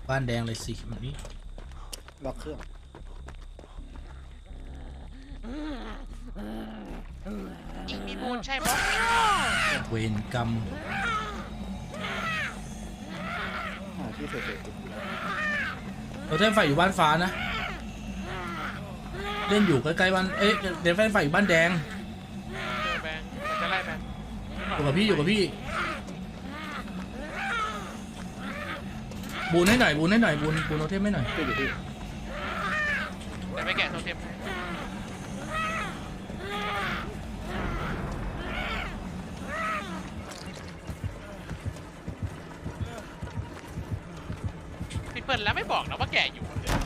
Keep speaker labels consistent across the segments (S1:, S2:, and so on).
S1: บ้านแดงเลยสิแบบนี้
S2: ล็อกเครื่อง
S3: อีกมีมูลใช่ปะ
S1: เวรกรรม
S2: หาที่เสร็จๆติด
S1: เราเล่นไฟอยู่บ้านฟ้านะเล่นอยู่ใกล้ๆบ้านเอ๊ะเล่นไฟอยู่บ้านแดง
S3: เจอแบงค์จะไล่แบงค์
S1: อยู่กับพี่บูนให้หน่อยบูนโนเทมให้หน่อย
S2: ติดอยู่ที่
S3: แต่ไม่แกะโทเทมพี่เปิ้ลแล้วไม่บอกนะว่าแกะอยู่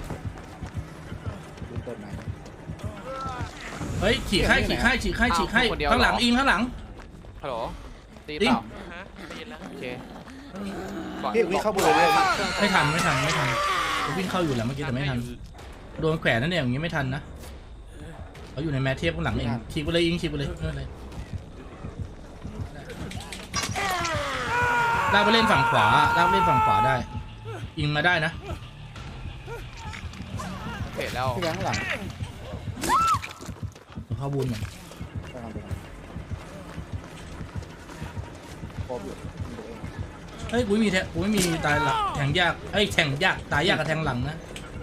S2: ดูเปิดไหน
S1: เฮ้ยฉีกให้ข้างหลังอิงข้างหลัง
S4: ฮัลโหลตี
S1: จริง
S4: เปล่า
S3: ฮะได้ยินแล้ว
S4: โอเค
S2: พี่วิ่งเข้าบนเลย
S1: ไม่ทันผมวิ่งเข้าอยู่แล้วเมื่อกี้แต่ไม่ทันโดนแขวนนั่นเองอย่างงี้ไม่ทันนะเขาอยู่ในแมทเทปข้างหลังเองฉีกไปเลยอิงฉีกไปเลยไม่เป็นไรลากไปเล่นฝั่งขวาได้อิงมาได้นะ
S4: โอเคแล้ว
S2: พี่แบงค์ข้างหลัง
S1: เข้าบูนหน่อย
S2: ไปทำไปทำครบอยู่ดูเอง
S1: เฮ้ยกูไม่มีตายหลักแทงยากแทงยากตายยากกับแทงหลังนะ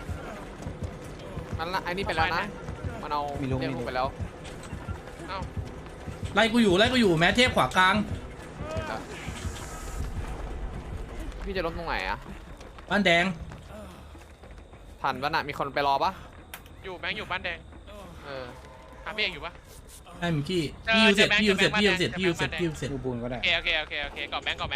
S4: มันละไอ้นี่ไปแล้วนะมันเอาเรียกลูกไปแล้ว
S3: เอ้า
S1: ไล่กูอยู่แม้เทพขวากลาง
S4: เห็นแล้วพี่จะล้มตรงไหนอะ
S1: บ้านแดง
S4: ทันปะน่ะมีคนไปรอปะ
S3: อยู่แบงค์อยู่บ้านแดง
S4: เออ
S3: หาพี่เอกอยู่ปะ
S1: ให้มิกกี้พี่ยูเสร็จ
S2: ดูบูนก็ได้
S3: โอเคกอบแบงค์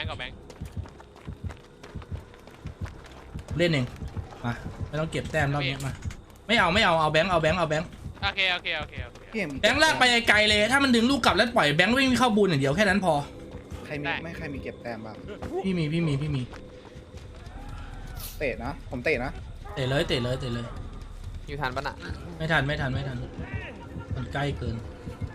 S1: เล่นเองมาไม่ต้องเก็บแต้มรอบนี้มาไม่เอาแบงค์
S3: โอเค
S2: พี่เอ็ม
S1: แบงค์ลากไปไกลเลยถ้ามันดึงลูกกลับแล้วปล่อยแบงค์วิ่งเข้าบูนอย่างเดียวแค่นั้นพอ
S2: ใครมีไม่ใครมีเก็บแต้มบ้าง
S1: พี่มี
S2: เตะนะผมเตะนะ
S1: เตะเลย
S4: อยู่ทันปะน่ะ
S1: ไม่ทันมันใกล้เกิน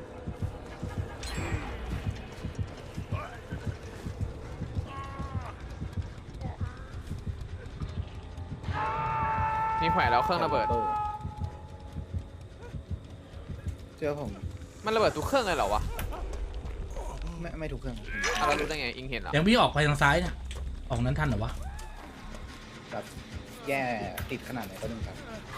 S4: มีแขวนแล้วเครื่องระเบิด
S2: เจอผม
S4: มันระเบิดทุกเครื่องเลยเหรอวะ
S2: ไม่ถูกเครื่อง
S4: เอาเรารู้ได้ไงอิงเห็นเหรอ
S1: ยังพี่ออกไปทางซ้ายนะออกนั้นทันเหรอวะ
S2: แบบแย่ติดขนาดไหนก็ต้องครับ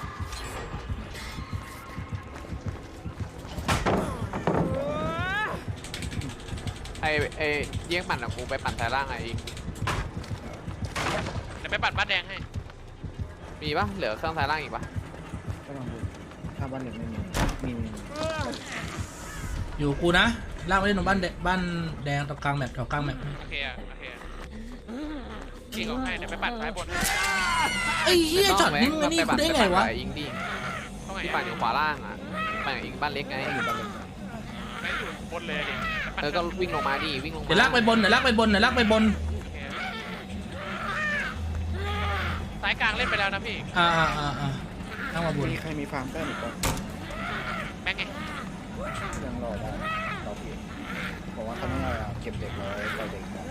S4: ไอเยี่ยงปั่นอะกูไปปั่นสายล่างไงอิง
S3: เดี๋ยวไปปัดบ้านแดงให้
S4: มีปะเหลือเครื่องสายล่างอีกปะ
S2: ก็ต้องดูถ้าบ้านหนึ่งไม่มีมี
S1: อยู่กูนะลากไปเล่นตรงบ้านแดงตรงกลางแมปแถวกลางแมป
S3: โอเคยิงออกให้เดี๋ยวไปปัดซ้ายบนให้
S1: ไอ้เหี้ยช็อตนี้มึงนี่กูได้ไงวะ
S4: อิงดิ
S3: เข้าไง
S4: ที่ปั่นอยู่ขวาล่างอะปั่นกับอิงบ้านเล็กไง
S2: อยู่บ้านเล็ก
S3: แบงค์อยู่บนเลยดิ
S4: ก็วิ่งลงมาดิวิ่งลงมา
S1: เดี๋ยวลากไปบน
S3: ซ้ายกลางเล่นไปแล้วนะพี่
S1: ลากมาบน
S2: มีใครมีฟาร์มแต้มอีกบ้าง
S3: แบงค์ไง
S2: ยังรอได้รอพี่บอกว่าเขาไม่เอาเก็บเด็กไว้ปล่อยเด็กก่อน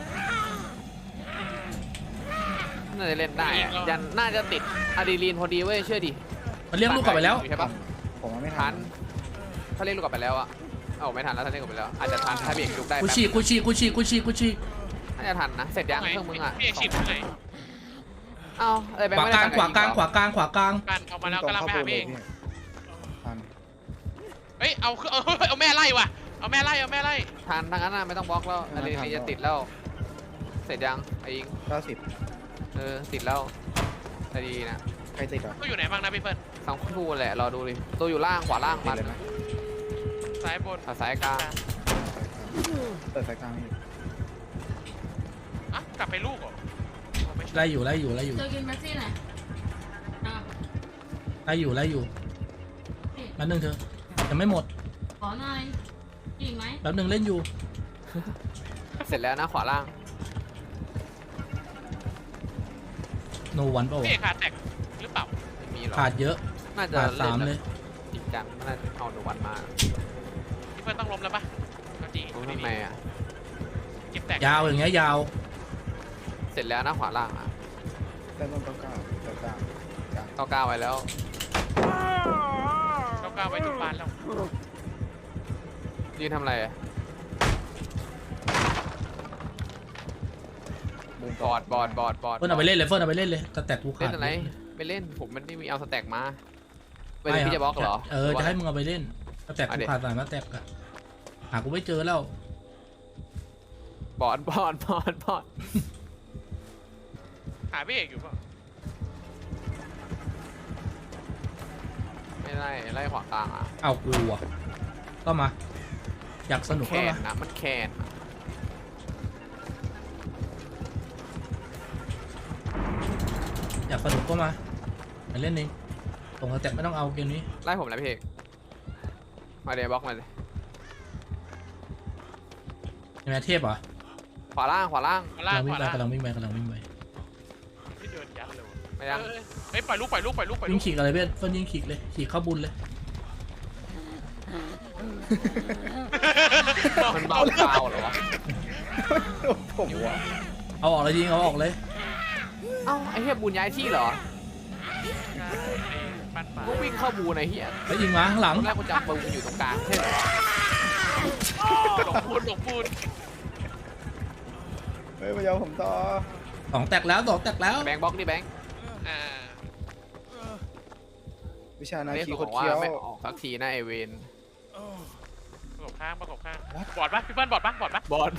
S4: น่าจะเล่นได้อะยันน่าจะติดอะดรีนาลีนพอดีเว้ยเชื่อดิ
S1: มันเลี้ยงลูกกลับไปแล้ว
S4: ใช่ปะ
S2: ผมว่าไม่ทั
S4: ทั
S2: น
S4: นถ้าเรียกลูกกลับไปแล้วอะเอาไม่ทันแล้วถ้าเรียกกลับไปแล้วอาจจะทันถ้าเบรกลุกได้
S1: กู
S4: แป๊บ
S1: ฉีก
S4: น่าจะทันนะเสร็จยังเครื่องมึงอะ
S3: พี่เอกฉีดไหน
S4: เอาอะไรแบง
S1: ข
S4: ค์
S1: วา
S4: ไม่
S1: ก
S4: ได้
S1: ลาง
S4: ปั่นกับ
S1: ขวากลาง
S3: กันออกมาแล้วกำลังไปหาพี่เอก
S2: ทัน
S3: เฮ้ยเอาแม่ไล่ว่ะเอาแม่ไล่
S4: ทันทั้งนั้นน่ะไม่ต้องบล็อกแล้วอะดรีนาลีนจะติดแล้วเสร็จยังไอ้ยิง
S2: 90
S4: ติดแล้วแต่ดีนะ
S2: ใครติดอ่ะ
S3: ก็อยู่ไหนบ้างนะพี่เปิ้ล
S4: สองคู่แหละรอดูดิตัวอยู่ล่างขวาล่าง
S2: ติด
S4: มัน
S2: เลยไหม
S3: ซ้ายบน
S4: สายกลาง
S2: เปิดสายกลางให้
S3: อ่ะกลับไปลูกเหรอ
S1: ไล่อยู่
S5: เจอกินแม็กซี่หน่อยอ่ะ
S1: ไล่อยู่แป๊บนึงเธอยังไม่หมด
S5: ขอหน่อยอีกไหม
S1: แป๊บนึงเล่นอยู่
S4: เสร็จแล้วนะขวาล่าง
S1: โนวันเปล่า
S3: พี่เอกขาแตกหรือเปล่า
S4: ไม่มีหรอก
S1: ขาดเยอะ
S4: น่าจะ
S1: ขาด
S4: เล่น
S1: 3
S4: แบบ
S1: เลย
S4: จริงจังน่าจะเอาหนูวันมา
S3: พี่เปิ้ลต้องล้มแล้วปะก็จริง
S4: รู้ทำไมอ่ะ
S3: เก็บแตก
S1: ยาวอย่างเงี้ยยาว
S4: เสร็จแล้วนะขวาล่างอ่ะ
S2: แต่ต้นต้องก้าว
S4: 99ไว้แล้ว
S3: ก้าวไว้ทุกบ้านแล้ว
S4: ยืนทำอะไรอะ
S2: บูม
S4: บอด
S1: เฟิร์นเอาไปเล่นเลยเฟิร์นเอาไปเล่นเลยสแต็กกูขา
S4: เล่
S1: ด
S4: นอะไรไม่เล่นผมมันไม่มีเอาสแต็กมาไป
S1: ไม่
S4: พี่จะบล็อกเหรอ
S1: จะให้มึงเอาไปเล่นสแต็กกูขาด3สแต็กอะหากูไม่เจอแล้ว
S4: บอด
S3: หาพี่เอกอยู่ป่ะ
S4: ไม่ไล่ขวากลางอ่ะ
S1: เอากูอะก็มา อยากสนุก
S4: แค
S1: ก็
S4: น
S1: มา
S4: นะมันแคนอะ
S1: อยากสนุกก็มาไปเล่นเองตรงสแต็กไม่ต้องเอาเกมนี้
S4: ไล่ผมแล้วพี่เอกมาเดี๋ยวบล็อกมาเลย
S1: ใช่ไหมเทพเหรอ
S4: ขวาล่าง
S3: มาล่าง
S1: กำลังวิ่
S3: ข
S1: ง
S3: วา
S1: ไป
S3: ล่าง
S1: กำลังวิ่งไปกำลังวิ่งไป
S3: พี่เดินยัดเลย
S4: ไม่ยัง
S3: เฮ้ยปล่อยลูก
S1: วิ่งขีกอะไรเพื่อนเฟิร์นยิงขีกเลยขีกเข้าบุญเลย
S4: มันเบาเบาเหรอวะ
S2: ผมว่า
S1: เอาออกเลยยิงเอาออกเลย
S4: เอ้าไอ้เหี้ยบูนย้ายที่เหรอ
S3: ปั้นปลา
S4: ก็วิ่งเข้าบูนไอ้เหี้ย
S1: แล้วยิงมาข้างหลัง
S4: ตอนแรกกูจับบูนอยู่ตรงกลางใช่เหรอ
S3: หลงปูน
S2: เฮ้ยมายาวผมต่อ
S1: 2 แตกแล้ว2 แตกแล้ว
S4: แบงค์บล็อกดิแบงค์
S2: วิชานา
S4: เรียก
S2: คี
S4: บ
S2: โค
S4: อ
S2: ต
S4: ก
S2: ร
S4: ว่า
S2: เคี้ยว
S4: ไม่ออกสักทีนะไอเวน
S3: ประกบข้างบอดปะพี่เปิ้ลบอดปะ
S4: บอด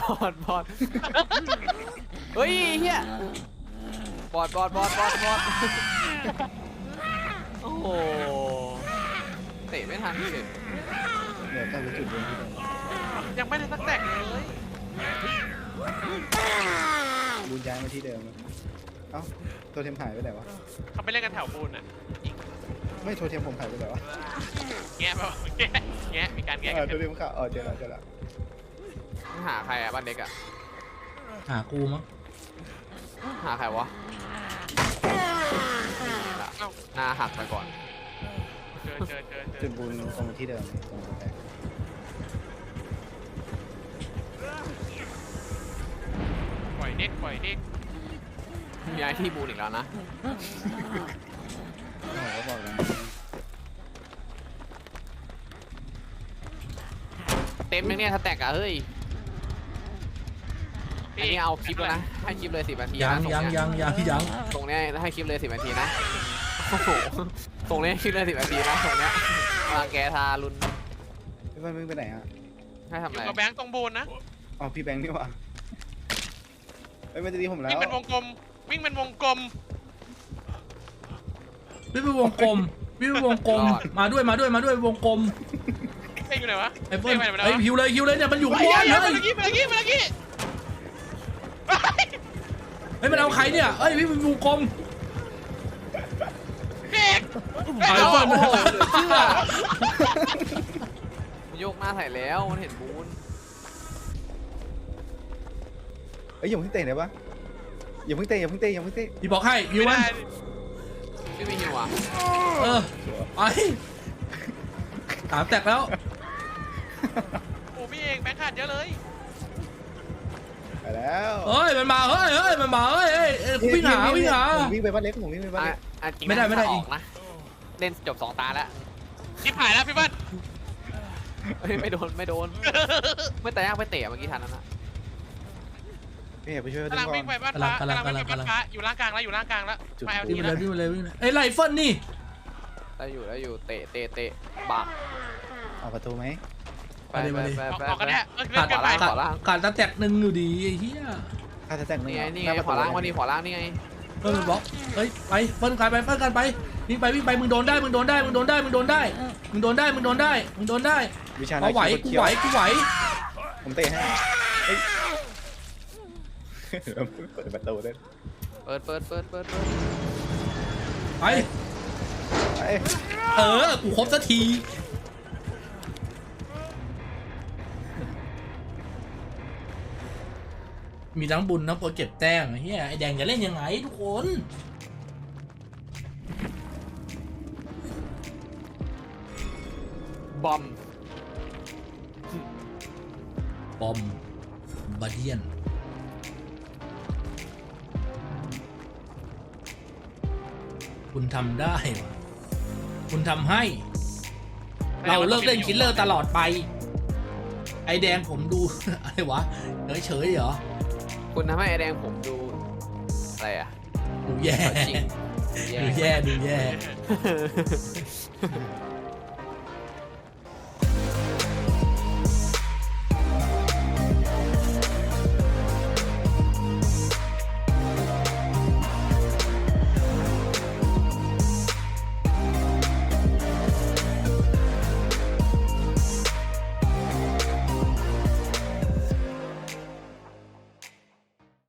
S4: เฮ้ยเฮียบอดโอ้โหเตะไม่ทันเลย
S2: เดี๋ยวตั้งจุดบนที่เดิม
S3: ยังไม่ได้สักแตกเลย
S2: บูนย้ายมาที่เดิมเอ้าตัวเทมหายไปไหนวะ
S3: เขาไปเล่นกันแถวปูนอ่ะ
S2: ไม่โทรเทมผมหายไปไหนวะ
S3: แงะป่ะแงะมีการแงะ
S2: โทรเทมขาเจอแล้ว
S4: หาใครอ่ะบ้านเด็กอ่ะ
S1: หากูมั้ง
S4: หาใครวะหน้าหักไปก่อน
S3: เจอ
S2: จุดบูนตรงที่เดิมตรงแตก
S3: ปล่อยเด็ก
S4: ย้ายที่บูนอีกแล้วนะ
S2: ก็บอกแล้ว
S4: เต็มยังเนี่ยถ้าแตกอ่ะเฮ้ยอันนี้เอาคลิปแล้วนะให้คลิปเลย10 นาที
S1: ยัง
S4: นะ
S1: ยัง
S4: ตรงเนี้ยให้คลิปเลย10 นาทีนะโอ้โหตรงเนี้ยคลิปเลย10 นาทีนะตรงเนี้ยรังแกทารุณ
S2: พี่บ้านมึงไปไหนอ่ะ
S4: ให้ทำ
S3: อ
S4: อะไร
S3: ยู่กับแบงค์ตรงบูนนะ
S2: อ๋อพี่แบงค์นี่หว่าเฮ้ยมันจะดีผมแล้ว
S3: วิ่งเป็นวงกลม
S1: วิ่งไปวงกลมมาด้วยวงกลม
S3: เอ้ยอยู่ไหนวะ
S1: ไอ้เฟิร์นไอ้ฮิวเลยเนี่ยมันอยู่ข้างบนเลย
S3: มากี้
S1: เฮ้ยมันเอาใครเนี่ยเอ้ยวิ่งไปวงกลม
S3: เด็ก
S1: ไอ้เฟิร์น
S4: โอ้โหเหลือเชื่อมันโยกหน้าใส่แล้วมันเห็นบูน
S2: เอ้ยอย่าเพิ่งเตะได้ปะอย่าเพิ่งเตะ
S1: พี่บอกให้ฮิวมัน
S4: ไม่มีหิวอ่ะ
S1: ไป3 แตกแล้ว
S3: โอ้พี่เองแบงค์ขาดเยอะเลย
S2: ไปแล้ว
S1: เฮ้ยมันมาเฮ้ยวิ่งหา
S2: ผมวิ่งไปบ้านเล็กผมวิ่งไปบ้านเล็ก
S4: จริง
S1: ไม่ได้
S4: ออกนะเล่นจบ2 ตาแล้ว
S3: ชิบหายแล้วพี่เปิ้ล
S4: เฮ้ยไม่โดนไม่แต่ยากไปเตะเมื่อกี้ทันนั้นนะ
S2: พี่ไปช่วย
S3: กำลัง
S2: ก่อ
S3: วิ่
S2: น
S3: งไปบ้านฟ้อยู่ล่างกลางแล้วมาเอา
S1: วิ่
S3: ที
S1: งไป
S3: แล้ว
S1: เลยไอ้ไรเฟิลนี่
S4: ได้อยู่เตะบัก
S2: ออกประตูไหม
S3: ออกกันแน่เล่นกันไป
S1: ขาดแตก1อยู่ดีไอ้เหี้ย
S2: ถ้าจะแต่ง
S4: นี่ไงขวาล่างขวาล่างนี่ไง
S1: เฟิร์นบล็อกเฮ้ยไปเฟิร์นกันไปวิ่งไปมึงโดนได้มึงโดนได้
S2: วิชา
S1: เอาไหวกูไหว
S2: ผมเตะให้เฮ้ยเปิดประตูได้
S4: เปิด
S1: ไป
S2: ไป
S1: กูครบสักทีมีทั้งบุญทั้งโปรเก็บแต้มเฮียไอแดงจะเล่นยังไงทุกคน
S4: บอม
S1: บอมบาเดียนคุณทำได้วะคุณทำให้ เราเลิกเล่นคิลเลอร์ตลอดไป ไอแดงผมดู อะไรวะเฉยๆเหรอ
S4: คุณทำให้ไอแดงผมดูอะไรอ่ะ
S1: ดูแย่
S4: จริง
S1: ดูแย่ดูแย่